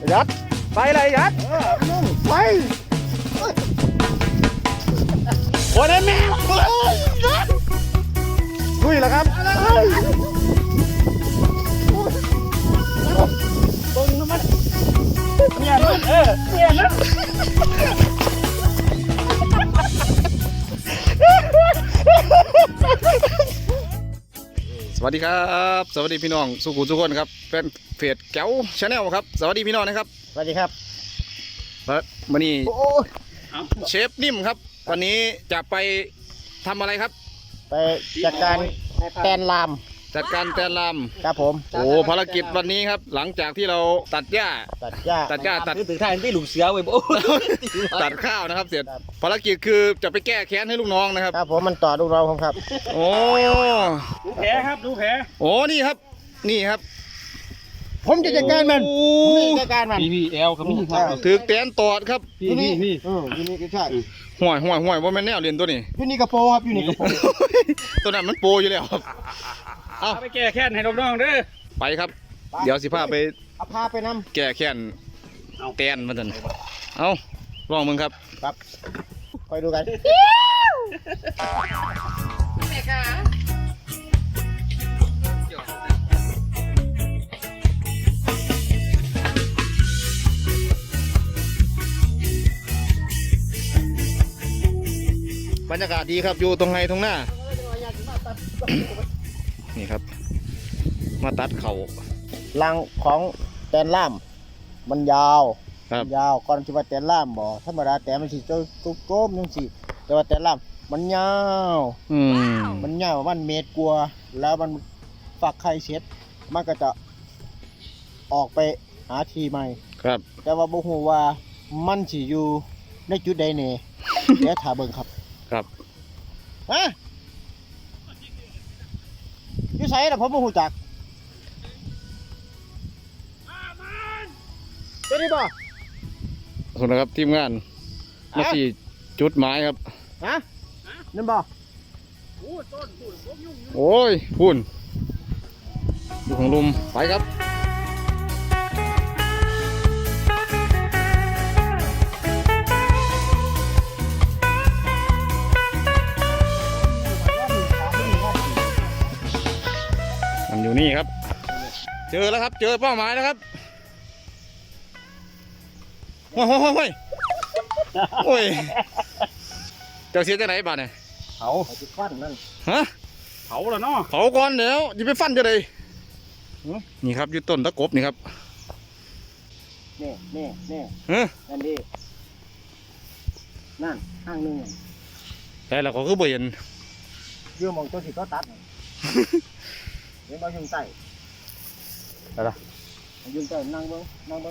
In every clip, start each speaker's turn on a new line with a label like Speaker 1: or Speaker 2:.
Speaker 1: ยัดไปเลยยัดไปโอ้ยแม่ลุยแล้วครับตรงน้ำมันเนี่ยมันเนี่ยมันสวัสดีครับสวัสดีพี่น้องสุขุมทุกคนครับเป็นเพจแก้วชาแนลครับสวัสดีพี่น้องนะครับสวัสดีครับวันนี้เชฟนิ่มครับวันนี้จะไปทำอะไรครับ
Speaker 2: ไปจัดการแตนลามครับผม
Speaker 1: โอ้ภารกิจวันนี้ครับหลังจากที่เราตัดหญ้าตัด
Speaker 2: ถึงท่านที่หลุมเสือไว้โอ้
Speaker 1: ตัดข้าวนะครับเสร็จภารกิจคือจะไปแก้แค้นให้ลูกน้องนะครับ
Speaker 2: ครับผมมันต่อลูกน้องผมครับ
Speaker 1: โอ้
Speaker 3: ดูแผลครับดูแผล
Speaker 1: โอ้นี่ครับ
Speaker 2: ผมจะจัดการมัน
Speaker 3: พี่เอลครับพี่ครับ
Speaker 1: ถือแตนตอดครับ
Speaker 3: พี่
Speaker 2: นี่ก็ใช่
Speaker 1: ห่วยว่าแม่นแนวเรียนตัวนี้
Speaker 2: พี่นี่กระโปรงครับพี่นี่กระโปรง
Speaker 1: ตัวนั้นมันโปอยู่แล้วครับ
Speaker 3: เอาไปแก้แค้นให้น้องๆเด้อ
Speaker 1: ไปครับเดี๋ยวสิพาไป
Speaker 2: นำ
Speaker 1: แก้แค้นแตนมาจนเอาลองมึงครับ
Speaker 2: คอยดูกัน
Speaker 1: แม่ค่ะบรรยากาศดีครับอยู่ตรงไฮตรงหน้านี่ครับมาตัดเขา
Speaker 2: รังของแตนล่ามมันยาวก่อนที่ว่าแตนล่ามบ่ธรรมดาแตนมันสิโก้มจังสิแต่ว่าแตนล่ามมันยาวมันยาวประมาณเมตรกว่าแล้วมันฝักไข่เสร็จมันก็จะออกไปหาที่ใหม่
Speaker 1: ครับ
Speaker 2: แต่ว่าบ่ฮู้ว่ามันสิอยู่ในจุดใดแน่เดี๋ยวถ้าเบิ่งครับฮะอยู่ไสล่ะผมบ่ฮู้จักเป็นได้บ่
Speaker 1: คนนะครับทีมงานมาสี่จุดหมายครับ
Speaker 2: ฮะนั่นบ่
Speaker 1: โอ้ยพุ่นอยู่ของลุมไปครับมันอยู่นี่ครับเจอแล้วครับเจอเป้าหมายแล้วครับโอ้ยเจ้าเสียจากไหนบ้านเนี่ย
Speaker 2: เผาจะฟันนั่น
Speaker 1: ฮะ
Speaker 3: เผาแล้วเนาะ
Speaker 1: เผาก่อนเดี๋ยวจะไปฟันจะเลยนี่ครับอยู่ต้นตะกบนี่ครับ
Speaker 2: นี่นั่นดินั่นข้างนึง
Speaker 1: แต่เราก็คือบ่เห็น
Speaker 2: ยื่อมองตัวสิก็ตัดเห็นบ่ยุ่งใต้
Speaker 1: อะไร
Speaker 2: ยุ่งใต้นั่งเบิ้ง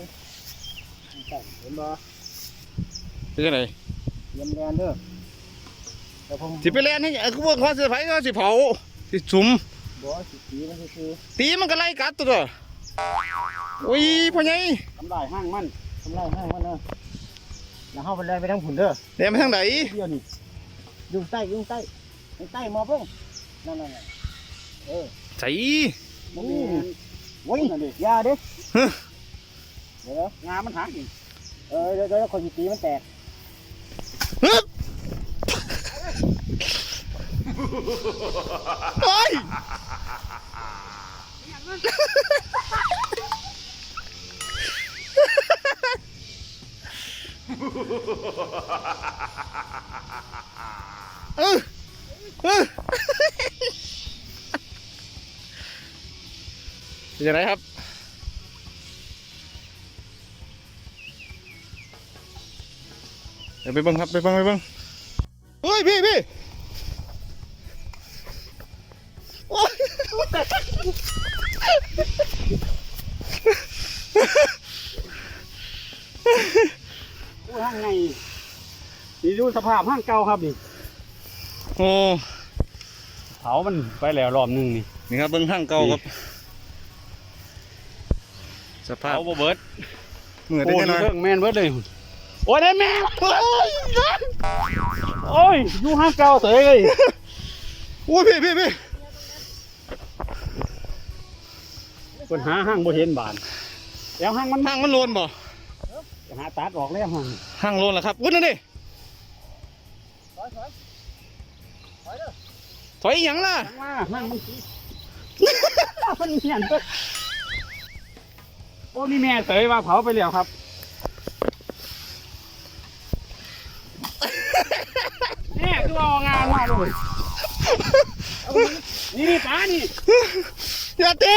Speaker 2: เห็นบ่
Speaker 1: เป็นยังไง
Speaker 2: เยี่ยมแลนเด้อ
Speaker 1: สิไปแลนให้คือว่าความเสียหายก็สิเผาสิสุ่ม
Speaker 2: บ่สิตีมันคือ
Speaker 1: ตีมันก็ไล่กัดตัวโอ้ยพ่อใหญ่
Speaker 2: ทำลายห้างมันเนอะแล้วเข้าไปแลนไปทางผุนเด้อ
Speaker 1: แลนไปทางไหน
Speaker 2: เดี๋ยวนี้ยุ่งใต้มอเพิ่งนั่น
Speaker 1: ใส่
Speaker 2: โอ้ยยาดิเดี๋ยวงามันหักอีกเดี๋ยวคนตีมันแตก
Speaker 1: เฮ้ยเป็นยังไงครับไปเบิ่งครับไปเบิ่งเฮ้ยพี่โอ้ย
Speaker 3: ห้างไงนี่ดูสภาพห้างเก่าครับนี่
Speaker 1: โอ้
Speaker 3: เผามันไปแล้วรอบนึง
Speaker 1: นี่ครับเบิ่งห้างเก่าครับสภาพ
Speaker 3: เอาเบิร์ด
Speaker 1: เหมือนได้แน่นอน
Speaker 3: แมนเบิร์ดเลยโอ้ยได้แม่โอ้ยอยู่ห้างเก่าเตย
Speaker 1: โอ้ยพี่
Speaker 3: คนหาห้างบ่เห็นบานแล้วห้างมัน
Speaker 1: โลนบ่
Speaker 3: หาตัดออกแล้วมัน
Speaker 1: ห้างโลนแล้วครับวุ้นนั่นดิ
Speaker 2: ถอยเด้อ
Speaker 1: ถอยอีหยังล่ะ
Speaker 3: จังว่านั่งมันมันเหียนเด้อโอ้นี่แม่เตยว่าเผาไปแล้วครับแม่คือเอางานมาเลยนี่ป้านี่
Speaker 1: อย่าตี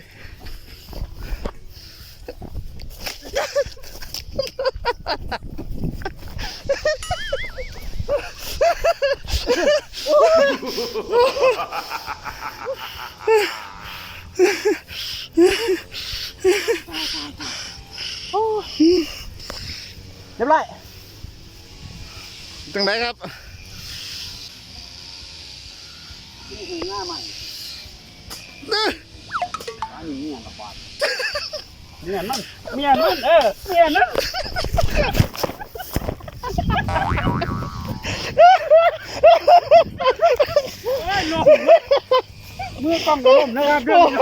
Speaker 2: เรียบร้อย
Speaker 1: จังไหนครับ
Speaker 3: นี่คือหน้าใหม่อันนี้เมียกับบาดเมียมันเมียมันเมียนั่นเอ้ยลมมือกล้องก็ลมนะครับเรื่อง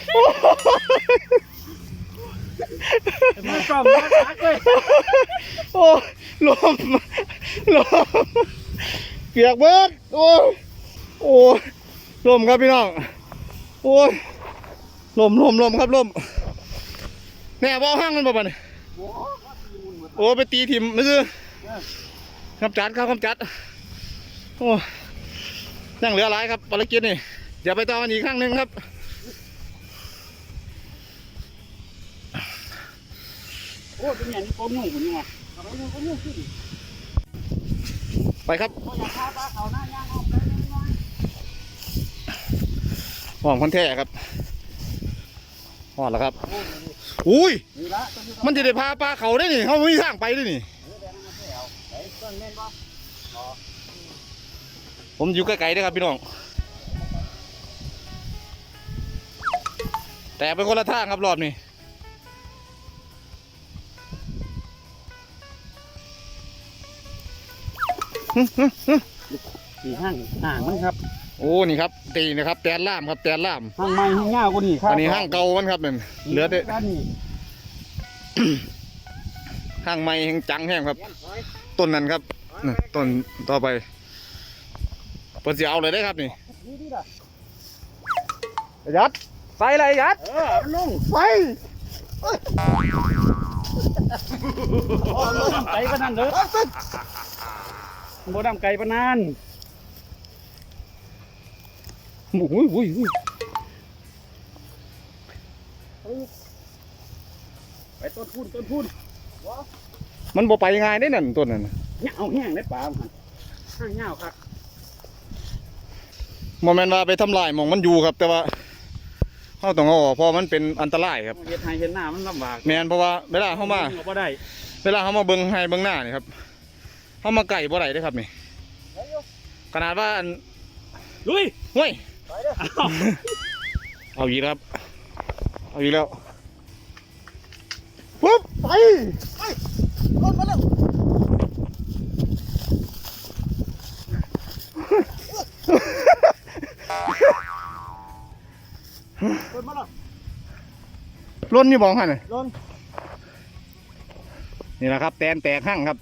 Speaker 3: มือกล้องก็ตักเลย
Speaker 1: โอ้ลมลมเปียกเบิดโอ้โอ้ลมครับพี่น้องโอ้ยลมครับลมแน่บ่ห้างมันบ่บัดนี้โอ้ไปตีถิ่มไม่ซื้อคำจัดครับคำจัดโอ้ยังเหลือหลายครับภารกิจนี่อย่าไปต่อกันอีกครั้งหนึ่งครับ
Speaker 3: โอ้เป็นอย่างนี้โกงยุ่งคนนี้ไงเอาไปยุ่งก็ยุ่งขึ้น
Speaker 1: ไปครับ
Speaker 3: โอ้อยากพาปลาเขาหน้าย่างออกไปน้อย
Speaker 1: หอมคอนแท้ครับหอมแล้วครับอุ้ย
Speaker 3: นี่ละต้นที่
Speaker 1: มันจะได้พาปลาเขาได้นี่เขาไม่มีทางไปด้วยนี่
Speaker 3: แดงนั่นแถวไอ้ต้นเม่นบ่
Speaker 1: ผมอยู่ไกลๆนะครับพี่น้องแต่ไปคนละทางครับรอบนี้
Speaker 3: สี่ห้างมันครับ
Speaker 1: โอ้นี่ครับตีนะครับแตนล่ามครับแตนล่าม
Speaker 3: ห้างใหม่ห้างยาวกว่านี่ครับ
Speaker 1: อันนี้ห้างเก่ามันครับนั่นเหลือแต่
Speaker 3: ด้านนี้
Speaker 1: ห้างใหม่แห่งจังแห้งครับต้นนั้นครับนี่ต้นต่อไปเปิดเสียเอาเลยได้ครับนี่
Speaker 3: นี่ดิล่ะ
Speaker 1: ยัดใส่อะไรยัด
Speaker 3: มันลง
Speaker 1: ไฟ
Speaker 3: โอ้โหดำไก่ปะนั่นเด้อโบดำไก่ปะนั่น
Speaker 1: อุ้ย
Speaker 3: ไปต้นพูน
Speaker 1: มันบ่ไปง่ายได้นั่นต้นนั้น
Speaker 3: เงาแห้งได้ปลามันห้างเงาครับ
Speaker 1: โมเมนต์ว่าไปทำลายหมองมันอยู่ครับ แต่ว่าเขาต้องเอาออกเพราะมันเป็นอันตรายครับ
Speaker 3: เฮ็ดให้เห็นหน้ามันลำบาก
Speaker 1: แมนเพราะว่าเวลาเขามา
Speaker 3: บ่ได้
Speaker 1: เวลาเขามาเบิ้งให้เบิ้งหน้านี่ครับเขามาไก่บ่ได้เด้อครับนี่ขนาดว่าอัน
Speaker 3: ลุย
Speaker 1: ห้วย
Speaker 2: ไปเด้อ
Speaker 1: เอาอีกแล้วครับเอาอีกแล้วปุ๊บไป
Speaker 2: รถมาแล้ว รถมาแล้ว
Speaker 1: ล้นนี่บอกให้หน่อย
Speaker 2: รถ
Speaker 1: นี่แหละครับแตนแตกหั่งครับ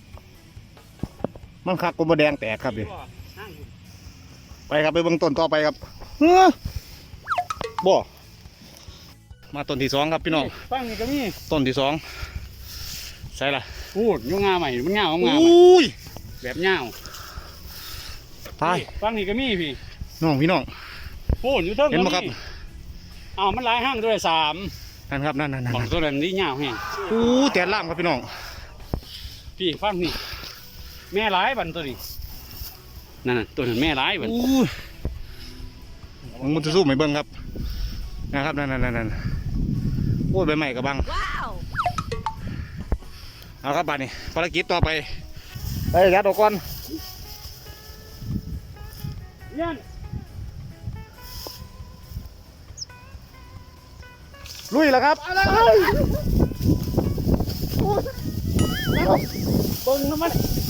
Speaker 1: มันคักกลมแดงแตกครับดิไปครับไปเบิ้งต้นต่อไปครับเฮ้อบ่มาต้นที่สองครับพี่น้อง
Speaker 3: ฟังนี่ก็มี
Speaker 1: ต้นที่สองใช่ละ
Speaker 3: พูดยุ่งงาใหม่มันเงางา
Speaker 1: อุ้ย
Speaker 3: แบบเงา
Speaker 1: ตาย
Speaker 3: ฟังนี่ก็มีพี่
Speaker 1: น้องพี่น้อง
Speaker 3: พูดอยู่เท่า
Speaker 1: เห็นไหมครับ
Speaker 3: อ้าวมันหลายห้างด้วยสาม
Speaker 1: นั่นครับนั่น
Speaker 3: บอกตัวนั้นนี่เงาแห้ง
Speaker 1: อู้แตนล่ามครับพี่น้อง
Speaker 3: พี่ฟังนี่แม่หลายบันตัวนี้นั่นน่ะตัวนั้นแม่หลายบัน
Speaker 1: อู้มันจะสู้ไหมเบิ้งครับนะครับนั่นโอ้ยใบใหม่กับบังเอาครับบัดนี้ภารกิจต่อไปไปยัดออกก่อน
Speaker 3: เนี่ย
Speaker 1: ลุยแล้วครับ
Speaker 3: เบิ้งน้ำมัน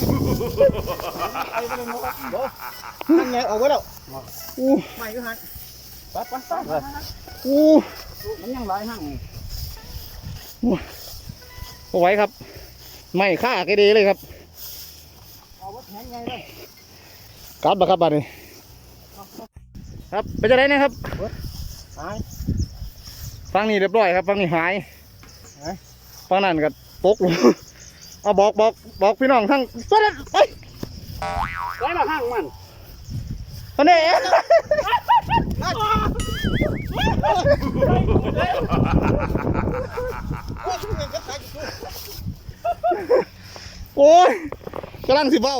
Speaker 2: นั่นไงออกไว้แล้ว
Speaker 1: อู้
Speaker 2: ใหม่ก็หัน
Speaker 3: ไป
Speaker 1: อู้
Speaker 3: มันยังหลายห้าง
Speaker 1: เอาไว้ครับไม่ฆ่าแกดีเลยครับ
Speaker 2: เอาว่าแข็งไงเลย
Speaker 1: กัดบ่ครับบัดนี้ครับไปจะไหนนะครับ
Speaker 2: หาย
Speaker 1: ฟังนี่เรียบร้อยครับฟังนี่หาย
Speaker 2: หาย
Speaker 1: ฟังนั่นก็ตกลง เอาบอกพี่น้องทั้งไป
Speaker 3: ไว้ละห้างมัน
Speaker 1: ตอนนี้โอ้ยกำลังสิเบ้า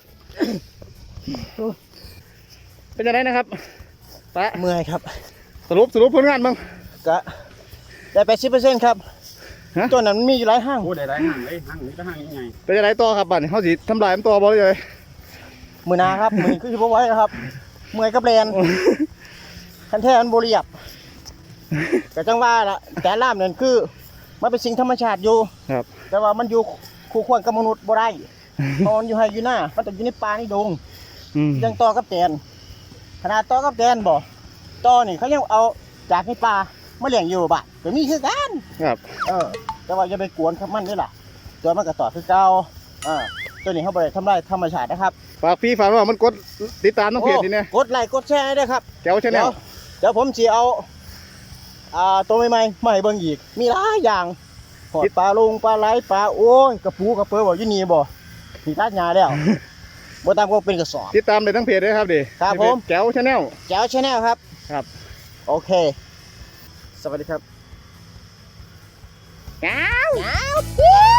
Speaker 1: เป็นยังไงนะครับปะ
Speaker 2: เมื่อยครับ
Speaker 1: สรุปผลงานบ้าง
Speaker 2: ก็ได้80%ครับ
Speaker 1: ฮะ
Speaker 2: ตัวนั้นมันมีอยู่หลายห้าง
Speaker 3: โอ้ได้หลายห้างเลยห้างนี้ก็ห้างยังไง
Speaker 1: เป็นยังไงต่อครับบัดนี้เขาสิทำลายมันต่อบ่เลย
Speaker 2: มือหนาครับ มือนี้คือบ่ไหว้แล้วครับ เมื่อยกับแลนคันแท้มันบ่เรียบก็จังว่าล่ะแต่ล่ามนั่นคือมันเป็นสิ่งธรรมชาติอยู่
Speaker 1: ครับ
Speaker 2: แต่ว่ามันอยู่คู่ควรกับมนุษย์บ่ได้เพราะมันอยู่ให้อยู่หน้ามันต้องอยู่ในป่าในดง
Speaker 1: อืม
Speaker 2: ยังต่อกับแตนขนาดต่อกับแตนบ่ต่อนี่เขายังเอาจากในป่ามาเลี้ยงอยู่บ้านก็มีคือกัน
Speaker 1: ครับ
Speaker 2: แต่ว่าอย่าไปกวนครับมันด้วยล่ะตัวมันก็ต่อคือเก่าตัวนี้เขาบ่ได้ทำลายธรรมชาตินะครับ
Speaker 1: ฝากพี่ฝากว่ามันกดติดตามน้องเพจนี่เนี่ย
Speaker 2: โอ้กดไลค์กดแชร์ด้วยครับ
Speaker 1: แก้วชาแนล
Speaker 2: เดี๋ยวผมสิเอาตัวใหม่ๆมาให้เบิ่งอีกมีหลายอย่างหอดปลาลุงปลาไหลปลาโอ้ยกระปูกระเปือบ่อยู่นี่บ่มีตัดหญ้าแล้ว บ่ตามก็เป็นกระสอบ
Speaker 1: ติดตามเลยทั้งเพจเลยครับดิ
Speaker 2: ครับผม
Speaker 1: แก้วชาแนล
Speaker 2: แจ๋วชาแนลครับ
Speaker 1: ครับ
Speaker 2: โอเค สวัสดีครับ
Speaker 1: แก้ว
Speaker 2: แจ๋ว